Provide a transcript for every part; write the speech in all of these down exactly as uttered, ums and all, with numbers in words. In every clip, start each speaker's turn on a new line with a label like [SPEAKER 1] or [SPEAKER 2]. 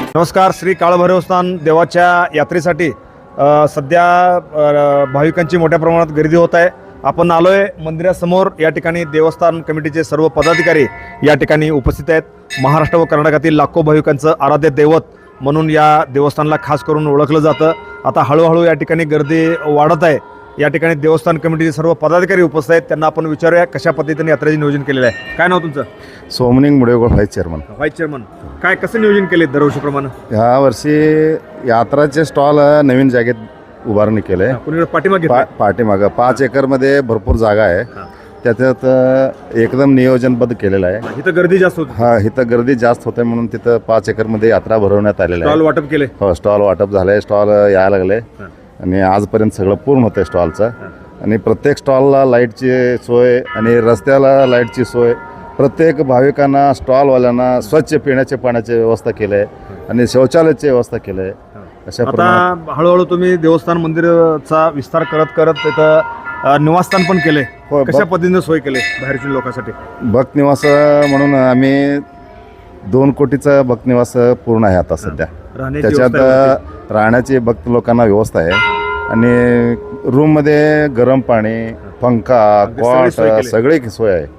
[SPEAKER 1] नमस्कार. श्री काळभैरवस्थान देवाच्या यात्रेसाठी अ, सध्या अ, भाविकांची मोठ्या प्रमाणात गर्दी होत आहे. आपण आलोय मंदिरासमोर. या ठिकाणी देवस्थान कमिटीचे सर्व पदाधिकारी या ठिकाणी उपस्थित आहेत. महाराष्ट्र व कर्नाटकातील लाखो भाविकांचं आराध्य दैवत म्हणून या देवस्थानला खास करून ओळखलं जातं. आता हळूहळू या ठिकाणी गर्दी वाढत आहे. या ठिकाणी देवस्थान कमिटीचे सर्व पदाधिकारी उपस्थित आहेत. त्यांना आपण विचारूया कशा पद्धतीने यात्रेचे नियोजन केलेलं आहे. काय नाव तुमचं?
[SPEAKER 2] Somaning Mudegol vice chairman.
[SPEAKER 1] Vice chairman. काय कसं नियोजन केले दरवर्षीप्रमाणे?
[SPEAKER 2] ह्या वर्षी यात्राचे स्टॉल नवीन जागेत उभारणी केले आहे.
[SPEAKER 1] कुणीकडे पाठीमागे
[SPEAKER 2] पा पाठीमागं पाच एकरमध्ये भरपूर जागा आहे. त्याच्यात एकदम नियोजनबद्ध केलेलं आहे.
[SPEAKER 1] इथं गर्दी जास्त होती.
[SPEAKER 2] हा, इथं गर्दी जास्त होते म्हणून तिथं पाच एकरमध्ये यात्रा भरवण्यात आलेली
[SPEAKER 1] स्टॉल
[SPEAKER 2] आहे.
[SPEAKER 1] वाटप केले.
[SPEAKER 2] हो, स्टॉल वाटप झालंय. स्टॉल यायला लागले आणि आजपर्यंत सगळं पूर्ण होतं स्टॉलचं. आणि प्रत्येक स्टॉलला लाईटची सोय आणि रस्त्याला लाईटची सोय. प्रत्येक भाविकांना स्टॉलवाल्यांना स्वच्छ पिण्याच्या पाण्याची व्यवस्था केली आहे आणि शौचालयाची व्यवस्था केली आहे. अशा
[SPEAKER 1] आता हळूहळू तुम्ही देवस्थान मंदिराचा विस्तार करत करत तिथं अ, निवासस्थान पण केले.
[SPEAKER 2] हो,
[SPEAKER 1] कशा पद्धतीने सोय केले बाहेरच्या लोकांसाठी?
[SPEAKER 2] भक्त निवास म्हणून आम्ही दोन कोटीचा भक्त निवास पूर्ण आहे आता सध्या.
[SPEAKER 1] राहण्याची
[SPEAKER 2] त्याच्यात
[SPEAKER 1] व्यवस्था होती.
[SPEAKER 2] राहण्याची भक्त लोकांना व्यवस्था आहे आणि रूममध्ये गरम पाणी, पंखा,
[SPEAKER 1] अगदी सगळी
[SPEAKER 2] कॉट
[SPEAKER 1] सोय केली.
[SPEAKER 2] सगळी सोय आहे.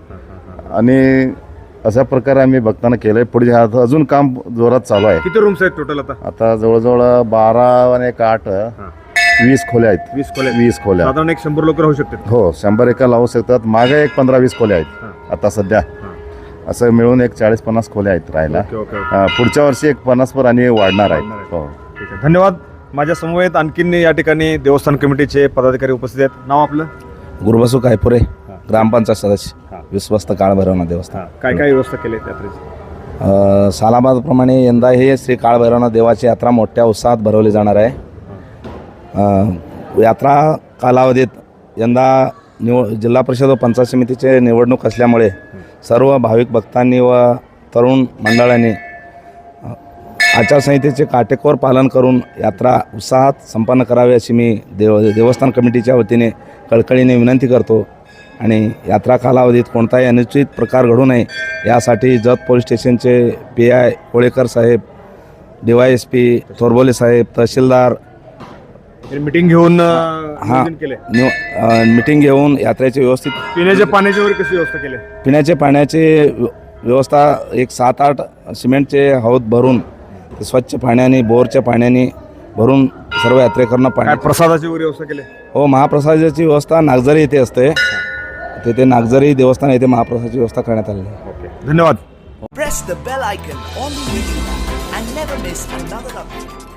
[SPEAKER 2] आणि अशा प्रकारे आम्ही भक्तांना केलंय. पुढे आता अजून काम जोरात चालू आहे.
[SPEAKER 1] किती रूम्स आहेत टोटल आता?
[SPEAKER 2] आता जवळजवळ बारा आणि एक आठ वीस खोल्या आहेत.
[SPEAKER 1] वीस खोल्या.
[SPEAKER 2] वीस खोल्या.
[SPEAKER 1] साधारण एक शंभर लोक राहू शकतात.
[SPEAKER 2] हो, शंभर एका लावू शकतात. मागे एक पंधरा वीस खोल्या आहेत आता सध्या. असं मिळून एक चाळीस पन्नास खोल्या आहेत राहायला.
[SPEAKER 1] Okay, okay, okay.
[SPEAKER 2] अं, पुढच्या वर्षी एक पन्नास पर आणि वाढणार आहेत. हो,
[SPEAKER 1] ठीक आहे. धन्यवाद. माझ्या समवेत आणखीन या ठिकाणी देवस्थान कमिटीचे पदाधिकारी उपस्थित आहेत. नाव आपलं?
[SPEAKER 3] गुरुबसू कायपुरे, ग्रामपंचायत सदस्य, विश्वस्त काळभैरवनाथ देवस्थान.
[SPEAKER 1] काय काय व्यवस्था केली आहे यात्रेची?
[SPEAKER 3] अ, सालाबादप्रमाणे यंदा हे श्री काळभैरवनाथ देवाची यात्रा मोठ्या उत्साहात भरवली जाणार आहे. अ, यात्रा कालावधीत यंदा निव जिल्हा परिषद व पंचायत समितीचे निवडणूक असल्यामुळे सर्व भाविक भक्तांनी व तरुण मंडळांनी अ, आचारसंहितेचे काटेकोर पालन करून यात्रा उत्साहात संपन्न करावी अशी मी देव देवस्थान कमिटीच्या वतीने कळकळीने विनंती करतो. आणि यात्रा कालावधीत कोणताही अनुचित प्रकार घडू नये यासाठी जत पोलीस स्टेशनचे पी आय कोळेकर साहेब, D Y S P Thorbole साहेब, तहसीलदार
[SPEAKER 1] मीटिंग घेऊन
[SPEAKER 3] हां
[SPEAKER 1] केले.
[SPEAKER 3] मिटिंग घेऊन यात्रेची व्यवस्थित
[SPEAKER 1] पिण्याच्या पाण्याची वगैरे कशी व्यवस्था केली?
[SPEAKER 3] पिण्याचे पाण्याची व्यवस्था एक सात आठ सिमेंटचे हौद भरून ते स्वच्छ पाण्याने बोरच्या पाण्याने भरून सर्व यात्रेकरांना
[SPEAKER 1] काय
[SPEAKER 3] पाणी.
[SPEAKER 1] प्रसादाची वगैरे व्यवस्था केली?
[SPEAKER 3] हो, महाप्रसादाची व्यवस्था नागझरी येथे असते. तेथे नागझरी देवस्थान येथे महाप्रसादाची व्यवस्था करण्यात आलेली आहे.
[SPEAKER 1] धन्यवाद.
[SPEAKER 4] Press the bell icon on the video and never miss another update.